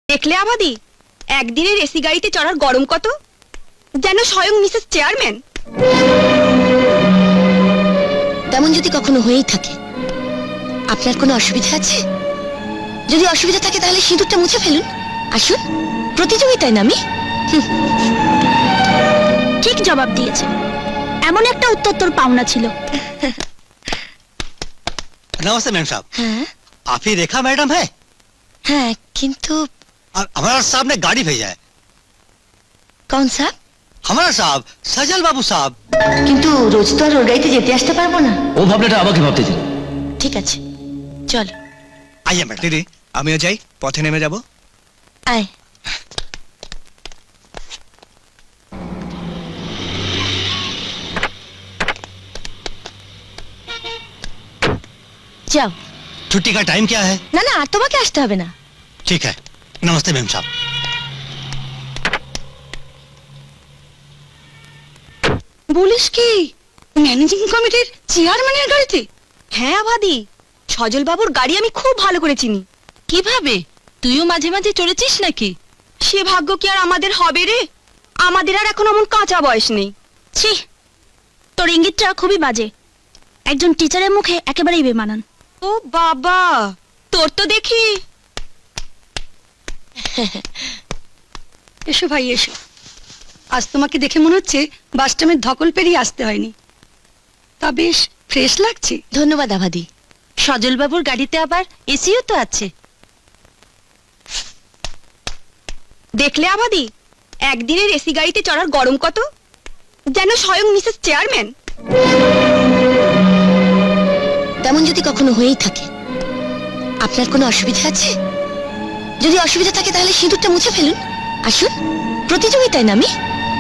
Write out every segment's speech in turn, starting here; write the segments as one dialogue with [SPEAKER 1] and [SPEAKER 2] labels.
[SPEAKER 1] দেখলে আবাদি, একদিনের এসি গাড়িতে চড়ার গরম কত, যেন স্বয়ং মিসেস চেয়ারম্যান।
[SPEAKER 2] তেমন যদি কখনো হয়েই থাকে, আপনার কোনো অসুবিধা আছে? যদি অসুবিধা থাকে তাহলে সিঁদুরটা মুছে ফেলুন। আসুন, প্রতিযোগিতায় নামি।
[SPEAKER 3] ঠিক জবাব দিয়েছে। এমন একটা উত্তর তোর পাওনা ছিল।
[SPEAKER 4] नमस्ते मैम साहब।
[SPEAKER 2] हाँ
[SPEAKER 4] आप ही रेखा मैडम है?
[SPEAKER 2] हाँ, किंतु
[SPEAKER 4] और हमारा साहब ने गाड़ी भेजा है।
[SPEAKER 2] कौन सा?
[SPEAKER 4] हमारा साहब सजल बाबू साहब।
[SPEAKER 2] কিন্তু রোজ তো আর ওর গাড়িতে যেতে আসতে পারবো না।
[SPEAKER 5] ও ভাবনাটা আমাকে ভাবতে দিন।
[SPEAKER 2] ঠিক আছে, চল।
[SPEAKER 4] आइए मैडम।
[SPEAKER 6] দিদি, আমিও যাই, পথে নেমে যাব।
[SPEAKER 2] আয়। যাও।
[SPEAKER 4] छुट्टी का टाइम क्या है?
[SPEAKER 2] না না, আর তোমাকে আসতে হবে না।
[SPEAKER 4] ठीक है। नमस्ते मैम साहब।
[SPEAKER 1] বলিস কি, ম্যানেজিং কমিটির চেয়ারম্যানের গাড়িতে? হ্যাঁ আবাদি, সজল বাবুর গাড়ি আমি খুব ভালো করে চিনি।
[SPEAKER 3] কিভাবে? তুইও মাঝে মাঝে চড়েছিস নাকি?
[SPEAKER 1] সে ভাগ্য কি আর আমাদের হবে রে? আমাদের আর এখন এমন কাঁচা বয়স নেই।
[SPEAKER 3] ছি, তোর ইঙ্গিতটা খুবই বাজে। একজন টিচারের মুখে একেবারেই বেমানান।
[SPEAKER 1] ও বাবা, তোর তো দেখি।
[SPEAKER 7] এসো ভাই এসো। আজ তোমাকে দেখে মনে হচ্ছে বাস স্ট্যান্ডের ধকল পেরিয়ে আসতে হয়নি। তা বেশ ফ্রেশ লাগছে।
[SPEAKER 2] ধন্যবাদ আভাদি।
[SPEAKER 3] সজল বাবুর গাড়িতে আবার এসিও তো আছে।
[SPEAKER 1] দেখলে আবাদি, একদিনের এসি গাড়িতে চড়ার গরম কত, যেন স্বয়ং মিসেস চেয়ারম্যান।
[SPEAKER 2] তেমন যদি কখনো হয়েই থাকে, আপনার কোনো অসুবিধা আছে? যদি অসুবিধা থাকে তাহলে সিঁদুরটা মুছে ফেলুন। আসুন, প্রতিযোগিতায় নামি।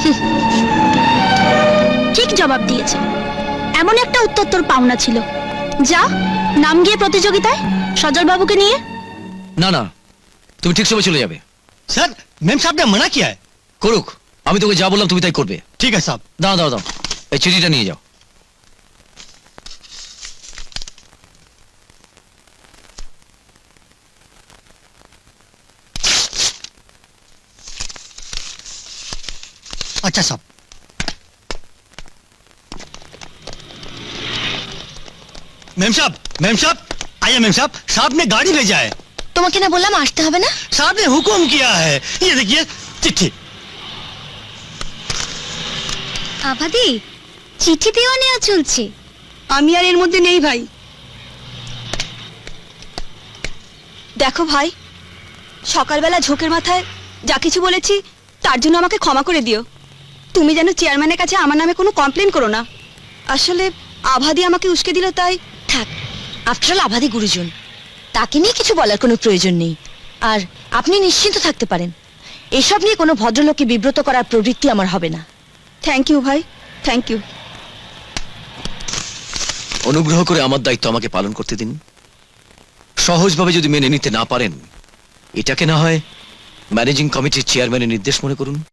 [SPEAKER 3] ঠিক জবাব দিয়েছে। এমন একটা উত্তর তোর পাওনা ছিল। যা, নাম গিয়ে প্রতিযোগিতায় সজল বাবুকে নিয়ে।
[SPEAKER 5] না না, তুমি ঠিক সময় চলে যাবে।
[SPEAKER 4] सर, मैम साहब ने मना किया है।
[SPEAKER 5] করুক, আমি তোকে যা বললাম তুমি তাই করবে।
[SPEAKER 4] ठीक है साहब।
[SPEAKER 5] দাও দাও দাও, এই চিঠিটা নিয়ে যাও।
[SPEAKER 4] अच्छा साहब। मैम साहब, मैम साहब, आइए मैम साहब, साहब ने गाड़ी भेजा है।
[SPEAKER 2] তোমাকে না বললাম আসতে হবে না?
[SPEAKER 4] साहब ने हुक्म किया है। ये देखिए चिट्ठी।
[SPEAKER 3] আভাদি, চিঠি দেওয়া নেওয়া চলছে।
[SPEAKER 7] আমি আর এর মধ্যে নেই ভাই।
[SPEAKER 1] দেখো ভাই, সকালবেলা ঝোঁকের মাথায় যা কিছু বলেছি তার জন্য আমাকে ক্ষমা করে দিও। তুমি যেন চেয়ারম্যানের কাছে আমার নামে কোনো কমপ্লেন করো না। আসলে আভাদি আমাকে উস্কে দিল তাই।
[SPEAKER 2] থাক, আফটারঅল আভাদি গুরুজন, তাকে নিয়ে কিছু বলার কোনো প্রয়োজন নেই। আর আপনি নিশ্চিন্ত থাকতে পারেন, এসব নিয়ে কোনো ভদ্রলোককে বিব্রত করার প্রবৃত্তি আমার হবে না।
[SPEAKER 1] থ্যাংক ইউ ভাই, থ্যাংক ইউ।
[SPEAKER 5] অনুগ্রহ করে আমার দায়িত্ব আমাকে পালন করতে দিন। সহজভাবে যদি মেনে নিতে না পারেন, এটাকে না হয় ম্যানেজিং কমিটির চেয়ারম্যানের নির্দেশ মনে করুন।